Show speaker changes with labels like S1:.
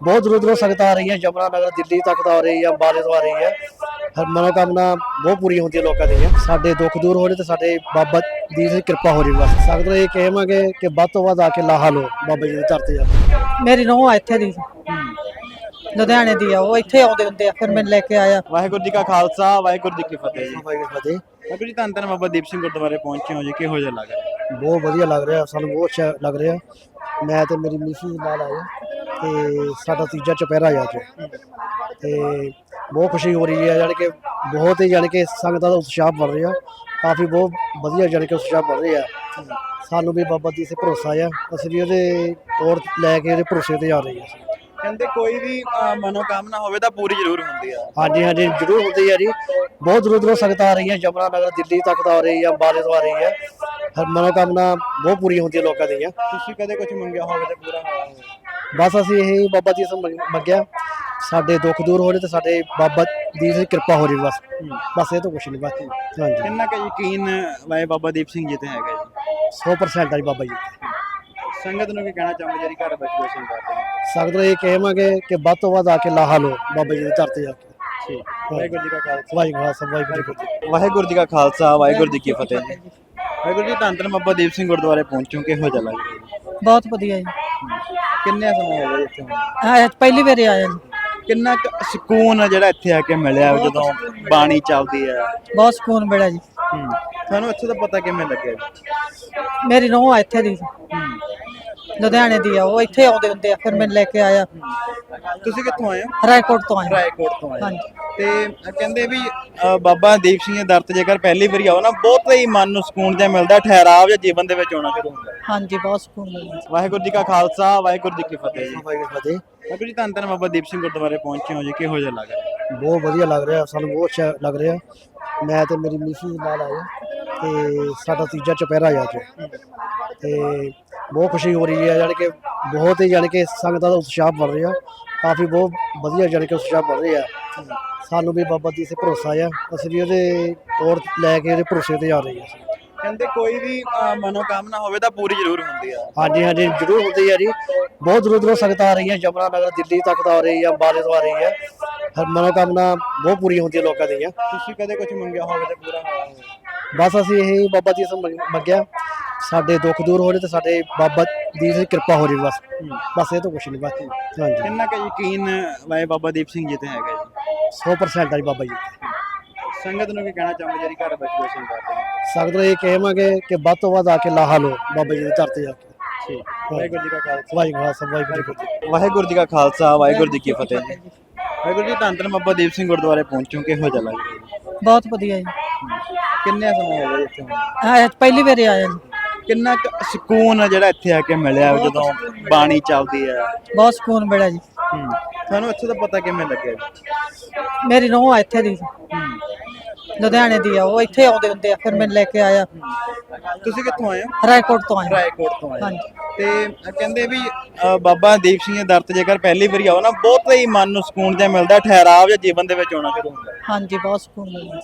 S1: बहुत दूरों दूरों संगत आ रही है, यमुनानगर दिल्ली तक तो आ रही है, अंबाले तो आ रही है। हर मनोकामना बहुत पूरी होती है लोगों दी। साडे दुख दूर हो रहे तो साडे बाबा दी दी कृपा हो रही। बस संगत ये कहेंगे कि ਵੱਧ ਤੋਂ ਵੱਧ आके लाहा लो बाबा जी की धरती आ।
S2: ਮੇਰੀ ਨੂੰਹ ਆ ਇੱਥੇ ਦੀ ਲੁਧਿਆਣੇ ਦੀ ਆ, ਉਹ ਇੱਥੇ ਆਉਂਦੇ ਹੁੰਦੇ ਆ, ਫਿਰ ਮੈਨੂੰ ਲੈ ਕੇ ਆਇਆ।
S3: ਵਾਹਿਗੁਰੂ ਜੀ ਕਾ ਖਾਲਸਾ ਵਾਹਿਗੁਰੂ ਜੀ ਕੀ ਫਤਿਹ ਜੀ।
S1: ਵਾਹਿਗੁਰੂ ਫਤਿਹ।
S3: ਵਾਹਿਗੁਰੂ ਜੀ ਧੰਨ ਧੰਨ ਬਾਬਾ ਦੀਪ ਸਿੰਘ ਗੁਰਦੁਆਰੇ ਪਹੁੰਚੇ ਹੋ ਜੀ, ਕਿਹੋ ਜਿਹਾ ਲੱਗ ਰਿਹਾ?
S1: ਬਹੁਤ ਵਧੀਆ ਲੱਗ ਰਿਹਾ, ਸਾਨੂੰ ਬਹੁਤ ਅੱਛਾ ਲੱਗ ਰਿਹਾ। ਮੈਂ ਤੇ ਮੇਰੀ ਮਿਸਿਸ ਨਾਲ ਆਏ ਤੇ ਸਾਡਾ ਤੀਜਾ ਚੁਪਹਿਰਾ ਆ ਅੱਜ ਤੇ ਬਹੁਤ ਖੁਸ਼ੀ ਹੋ ਰਹੀ ਹੈ। ਜਾਣੀ ਕਿ ਬਹੁਤ ਹੀ ਜਾਣੀ ਕਿ ਸੰਗਤਾਂ ਦਾ ਉਤਸ਼ਾਹ ਬਣ ਰਿਹਾ, ਕਾਫੀ ਬਹੁਤ ਵਧੀਆ ਜਾਣੀ ਕਿ ਉਤਸ਼ਾਹ ਬਣ ਰਿਹਾ। ਸਾਨੂੰ ਵੀ ਬਾਬਾ ਜੀ 'ਤੇ ਭਰੋਸਾ ਆ, ਅਸੀਂ ਵੀ ਉਹਦੇ ਔਰ ਲੈ ਕੇ ਉਹਦੇ ਭਰੋਸੇ 'ਤੇ ਆ ਰਹੇ ਹਾਂ।
S3: ਕਹਿੰਦੇ ਕੋਈ ਵੀ ਮਨੋਕਾਮਨਾ ਹੋਵੇ ਤਾਂ ਪੂਰੀ ਜ਼ਰੂਰ ਹੁੰਦੀ ਆ।
S1: ਹਾਂਜੀ ਹਾਂਜੀ ਜ਼ਰੂਰ ਹੁੰਦੀ ਹੈ ਜੀ। ਬਹੁਤ ਦੂਰੋਂ ਦੂਰੋਂ ਸੰਗਤ ਆ ਰਹੀਆਂ, ਯਮੁਨਾਨਗਰ ਦਿੱਲੀ ਤੱਕ ਤਾਂ ਆ ਰਹੀ ਹੈ, ਅੰਬਾਲੇ ਤੋਂ ਆ ਰਹੀ ਹੈ। ਹਰ ਮਨੋਕਾਮਨਾ ਬਹੁਤ ਪੂਰੀ ਹੁੰਦੀ ਹੈ ਲੋਕਾਂ ਦੀਆਂ।
S3: ਤੁਸੀਂ ਕਦੇ ਕੁਝ ਮੰਗਿਆ ਹੋਵੇ ਤੇ ਪੂਰਾ ਹੋਇਆ ਹੋਵੇ?
S1: ਬਸ ਅਸੀਂ ਇਹ ਬਾਬਾ ਜੀ ਤੋਂ ਮੰਗਿਆ, ਸਾਡੇ ਦੁੱਖ ਦੂਰ ਹੋ ਰਹੇ ਤੇ ਸਾਡੇ ਬਾਬਾ ਦੀ ਦੀ ਕਿਰਪਾ ਹੋ ਰਹੀ। ਬਸ ਇਹ ਤਾਂ ਕੁਛ ਨਹੀਂ। ਬਸ ਹਾਂਜੀ
S3: ਕਿੰਨਾ ਕੁ ਯਕੀਨ ਵਾਏ ਬਾਬਾ ਦੀਪ ਸਿੰਘ ਜੀ ਤੇ ਹੈਗਾ ਜੀ?
S1: 100% ਆ ਜੀ ਬਾਬਾ ਜੀ।
S3: ਸੰਗਤ ਨੂੰ ਕੀ ਕਹਿਣਾ ਚਾਹੁੰਦੇ ਜਿਹੜੀ ਘਰ ਬੈਠੀ ਹੋਈ ਸੰਗਤ ਹੈ?
S1: ਸੰਗਤ ਨੂੰ ਇਹ ਕਹਾਂਗੇ ਕਿ ਵੱਧ ਤੋਂ ਵੱਧ ਆ ਕੇ ਲਾਹਾ ਲਓ ਬਾਬਾ ਜੀ ਦੀ ਧਰਤੀ ਆ ਕੇ।
S3: ਠੀਕ। ਵਾਹਿਗੁਰੂ ਜੀ ਕਾ ਖਾਲਸਾ
S1: ਵਾਹਿਗੁਰੂ ਜੀ।
S3: ਵਾਹਿਗੁਰੂ ਜੀ ਕਾ ਖਾਲਸਾ ਵਾਹਿਗੁਰੂ ਜੀ ਕੀ ਫਤਿਹ ਜੀ। ਵਾਹਿਗੁਰੂ ਜੀ ਧੰਨ ਧੰਨ ਬਾਬਾ ਦੀਪ ਸਿੰਘ ਗੁਰਦੁਆਰੇ ਪਹੁੰਚੋ, ਕਿਹੋ ਜਿਹਾ ਲੱਗ ਰਿਹਾ ਜੀ?
S2: ਬਹੁਤ ਵਧੀਆ ਜੀ।
S3: ਕਿੰਨੇ ਸਮਾਂ ਹੋ ਗਿਆ ਇੱਥੇ ਹੁਣ?
S2: ਹਾਂ ਪਹਿਲੀ ਵਾਰੀ ਆਇਆ ਜੀ।
S3: ਕਿੰਨਾ ਕੁ ਸਕੂਨ ਆ ਜਿਹੜਾ ਇੱਥੇ ਆ ਕੇ ਮਿਲਿਆ ਜਦੋਂ ਬਾਣੀ ਚੱਲਦੀ ਹੈ?
S2: ਬਹੁਤ ਸਕੂਨ ਮਿਲਿਆ ਜੀ।
S3: ਤੁਹਾਨੂੰ ਇੱਥੇ ਦਾ ਪਤਾ ਕਿਵੇਂ ਲੱਗਿਆ ਜੀ?
S2: ਮੇਰੀ ਨੂੰਹ ਆ ਇੱਥੇ ਦੀ ਲੁਧਿਆਣੇ ਦੀ ਆ, ਉਹ ਇੱਥੇ ਆਉਂਦੇ ਹੁੰਦੇ ਆ, ਫਿਰ ਮੈਨੂੰ ਲੈ ਕੇ ਆਇਆ।
S3: ਤੁਸੀਂ ਕਿੱਥੋਂ ਆਏ ਹੋ?
S2: ਰਾਏਕੋਟ ਤੋਂ ਆਇਆ।
S3: ਰਾਏਕੋਟ ਤੋਂ ਆਏ।
S2: ਹਾਂਜੀ।
S3: ਤੇ ਕਹਿੰਦੇ ਵੀ ਬਾਬਾ ਦੀਪ ਸਿੰਘ ਦੇ ਦਰ ਤੇ ਜੇਕਰ ਪਹਿਲੀ ਵਾਰੀ ਆਓ ਨਾ, ਬਹੁਤ ਹੀ ਮਨ ਨੂੰ ਸਕੂਨ ਜਿਹਾ ਮਿਲਦਾ, ਠਹਿਰਾਵ ਜਾਂ ਜੀਵਨ ਦੇ ਵਿੱਚ ਆਉਣਾ ਸ਼ੁਰੂ ਹੁੰਦਾ।
S2: ਹਾਂਜੀ ਬਹੁਤ ਸਕੂਨ ਮਿਲਿਆ।
S3: ਵਾਹਿਗੁਰੂ ਜੀ ਕਾ ਖਾਲਸਾ ਵਾਹਿਗੁਰੂ ਜੀ ਕੀ ਫਤਿਹ ਜੀ।
S1: ਵਾਹਿਗੁਰੂ ਫਤਿਹ।
S3: ਵਾਹਿਗੁਰੂ ਜੀ ਧੰਨ ਧੰਨ ਬਾਬਾ ਦੀਪ ਸਿੰਘ ਗੁਰਦੁਆਰੇ ਪਹੁੰਚੇ ਹੋ ਜੀ, ਕਿਹੋ ਜਿਹਾ ਲੱਗ ਰਿਹਾ?
S1: ਬਹੁਤ ਵਧੀਆ ਲੱਗ ਰਿਹਾ, ਸਾਨੂੰ ਬਹੁਤ ਅੱਛਾ ਲੱਗ ਰਿਹਾ। ਮੈਂ ਤੇ ਮੇਰੀ ਮਿਸਿਸ ਨਾਲ ਆਏ ਤੇ ਸਾਡਾ ਤੀਜਾ ਚੁਪਹਿਰਾ ਆ ਅੱਜ ਤੇ ਬਹੁਤ ਖੁਸ਼ੀ ਹੋ ਰਹੀ ਹੈ। ਜਾਣੀ ਕਿ ਬਹੁਤ ਹੀ ਜਾਣੀ ਕਿ ਸੰਗਤਾਂ ਦਾ ਉਤਸ਼ਾਹ ਬਣ ਰਿਹਾ, ਕਾਫੀ ਬਹੁਤ ਵਧੀਆ ਜਾਣੀ ਕਿ ਉਤਸ਼ਾਹ ਬਣ ਰਿਹਾ। ਸਾਨੂੰ ਵੀ ਬਾਬਾ ਜੀ 'ਤੇ ਭਰੋਸਾ ਆ, ਅਸੀਂ ਵੀ ਉਹਦੇ ਔਰ ਲੈ ਕੇ ਉਹਦੇ ਭਰੋਸੇ 'ਤੇ ਆ ਰਹੇ ਹਾਂ।
S3: ਕਹਿੰਦੇ ਕੋਈ ਵੀ ਮਨੋਕਾਮਨਾ ਹੋਵੇ ਤਾਂ ਪੂਰੀ ਜ਼ਰੂਰ ਹੁੰਦੀ ਆ।
S1: ਹਾਂਜੀ ਹਾਂਜੀ ਜ਼ਰੂਰ ਹੁੰਦੀ ਹੈ ਜੀ। ਬਹੁਤ ਦੂਰੋਂ ਦੂਰੋਂ ਸੰਗਤ ਆ ਰਹੀਆਂ, ਯਮੁਨਾਨਗਰ ਦਿੱਲੀ ਤੱਕ ਤਾਂ ਆ ਰਹੀ ਹੈ, ਅੰਬਾਲੇ ਤੋਂ ਆ ਰਹੀ ਹੈ। ਹਰ ਮਨੋਕਾਮਨਾ ਬਹੁਤ ਪੂਰੀ ਹੁੰਦੀ ਹੈ ਲੋਕਾਂ ਦੀਆਂ।
S3: ਤੁਸੀਂ ਕਦੇ ਕੁਝ ਮੰਗਿਆ ਹੋਵੇ ਤੇ ਪੂਰਾ ਹੋਇਆ ਹੋਵੇ?
S1: ਬਸ ਅਸੀਂ ਇਹ ਬਾਬਾ ਜੀ ਤੋਂ ਮੰਗਿਆ, ਸਾਡੇ ਦੁੱਖ ਦੂਰ ਹੋ ਰਹੇ ਤੇ ਸਾਡੇ ਬਾਬਾ ਦੀ ਦੀ ਕਿਰਪਾ ਹੋ ਰਹੀ। ਬਸ ਇਹ ਤਾਂ ਕੁਛ ਨਹੀਂ। ਬਸ ਹਾਂਜੀ
S3: ਕਿੰਨਾ ਕੁ ਯਕੀਨ ਵਾਏ ਬਾਬਾ ਦੀਪ ਸਿੰਘ ਜੀ ਤੇ ਹੈਗਾ ਜੀ?
S1: 100% ਆ ਜੀ ਬਾਬਾ ਜੀ।
S3: ਸੰਗਤ ਨੂੰ ਕੀ ਕਹਿਣਾ ਚਾਹੁੰਦੇ ਜਿਹੜੀ ਘਰ ਬੈਠੀ ਹੋਈ ਸੰਗਤ ਹੈ?
S1: ਸੰਗਤ ਨੂੰ ਇਹ ਕਹਾਂਗੇ ਕਿ ਵੱਧ ਤੋਂ ਵੱਧ ਆ ਕੇ ਲਾਹਾ ਲਓ ਬਾਬਾ ਜੀ ਦੀ ਧਰਤੀ ਆ ਕੇ।
S3: ਠੀਕ। ਵਾਹਿਗੁਰੂ ਜੀ ਕਾ ਖਾਲਸਾ
S1: ਵਾਹਿਗੁਰੂ ਜੀ।
S3: ਵਾਹਿਗੁਰੂ ਜੀ ਕਾ ਖਾਲਸਾ ਵਾਹਿਗੁਰੂ ਜੀ ਕੀ ਫਤਿਹ ਜੀ। ਵਾਹਿਗੁਰੂ ਜੀ ਧੰਨ ਧੰਨ ਬਾਬਾ ਦੀਪ ਸਿੰਘ ਗੁਰਦੁਆਰੇ ਪਹੁੰਚੋ, ਕਿਹੋ ਜਿਹਾ ਲੱਗ ਰਿਹਾ ਜੀ?
S2: ਬਹੁਤ ਵਧੀਆ ਜੀ।
S3: ਕਿੰਨੇ ਸਮਾਂ ਹੋ ਗਿਆ ਇੱਥੇ ਹੁਣ?
S2: ਹਾਂ ਪਹਿਲੀ ਵਾਰੀ ਆਇਆ ਜੀ।
S3: ਕਿੰਨਾ ਕੁ ਸਕੂਨ ਆ ਜਿਹੜਾ ਇੱਥੇ ਆ ਕੇ ਮਿਲਿਆ ਜਦੋਂ ਬਾਣੀ ਚੱਲਦੀ ਹੈ?
S2: ਬਹੁਤ ਸਕੂਨ ਮਿਲਿਆ ਜੀ।
S3: ਤੁਹਾਨੂੰ ਇੱਥੇ ਦਾ ਪਤਾ ਕਿਵੇਂ ਲੱਗਿਆ ਜੀ?
S2: ਮੇਰੀ ਨੂੰਹ ਆ ਇੱਥੇ ਦੀ ਲੁਧਿਆਣੇ ਦੀ ਆ, ਉਹ ਇੱਥੇ ਆਉਂਦੇ ਹੁੰਦੇ ਆ, ਫਿਰ ਮੈਨੂੰ ਲੈ ਕੇ ਆਇਆ।
S3: ਤੁਸੀਂ ਕਿੱਥੋਂ ਆਏ ਹੋ?
S2: ਰਾਏਕੋਟ ਤੋਂ ਆਇਆ।
S3: ਰਾਏਕੋਟ ਤੋਂ ਆਏ।
S2: ਹਾਂਜੀ।
S3: ਤੇ ਕਹਿੰਦੇ ਵੀ ਬਾਬਾ ਦੀਪ ਸਿੰਘ ਦੇ ਦਰ ਤੇ ਜੇਕਰ ਪਹਿਲੀ ਵਾਰੀ ਆਓ ਨਾ, ਬਹੁਤ ਹੀ ਮਨ ਨੂੰ ਸਕੂਨ ਜਿਹਾ ਮਿਲਦਾ, ਠਹਿਰਾਵ ਜਾਂ ਜੀਵਨ ਦੇ ਵਿੱਚ ਆਉਣਾ ਸ਼ੁਰੂ ਹੁੰਦਾ।
S2: ਹਾਂਜੀ ਬਹੁਤ ਸਕੂਨ ਮਿਲਿਆ।